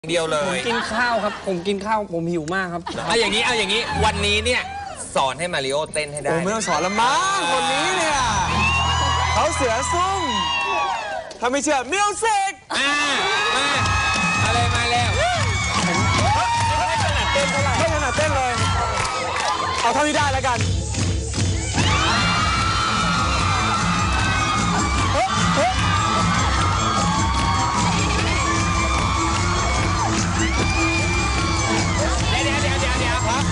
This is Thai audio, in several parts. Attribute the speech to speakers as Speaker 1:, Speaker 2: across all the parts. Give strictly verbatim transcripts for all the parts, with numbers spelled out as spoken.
Speaker 1: เดียวเล
Speaker 2: ผม
Speaker 1: ย
Speaker 2: กินข้าวครับผมกินข้าวผมหิวมากครับ
Speaker 1: เอาอย่างนี้เอาอย่างนี้วันนี้เนี่ยสอนให้มาริโอเต้นให้ได้
Speaker 3: โอ้ไม่ต้องสอนละมั้งคนนี้เนี่ยเขาเสือซุ่มถ้าไม่เชื่อมิวสิก
Speaker 1: อ่ามาอะไรมาแล้ว
Speaker 3: ไม่ถนัดเต้นเท่าไหร่ไม่ถนัดเต้นเลย เอาเท่าที่ได้แล้วกัน
Speaker 1: เดี๋ยวเดี๋ยวเดี๋ยวเดี๋ยวครับ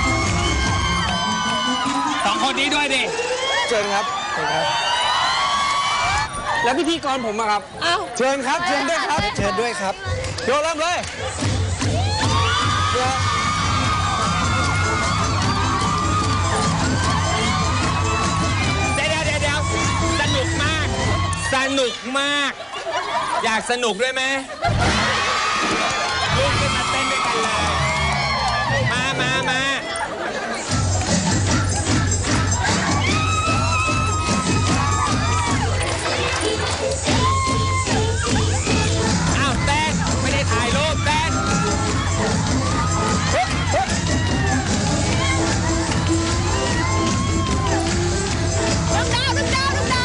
Speaker 1: สองคนนี้ด้วยดิ
Speaker 3: เชิญครับเชิญครับ
Speaker 2: แล้วพิธีกรผมอะครับ
Speaker 3: เชิญครับเชิญด้วยครับเชิญด้วยครับโยนเริ่มเลยเดี๋ยว
Speaker 1: เดี๋ยวเดี๋ยวเดี๋ยวสนุกมาก สนุกมาก อยากสนุกด้วยไหมลุกขึ้นมาเต้นด้วยกันเลย มามามาอ้าวเต้นไม่ได้ถ่ายรูปเต้น
Speaker 4: ดึงดาวดึงดาวดึงดาว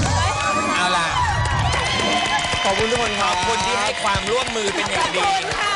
Speaker 1: เอาล่ะ
Speaker 3: ขอบคุณทุกคนค
Speaker 1: ข
Speaker 3: รั
Speaker 1: อ
Speaker 3: บบ
Speaker 1: คุณที่ให้ความร่วมมือเป็นอย่างดี
Speaker 4: ค่ะ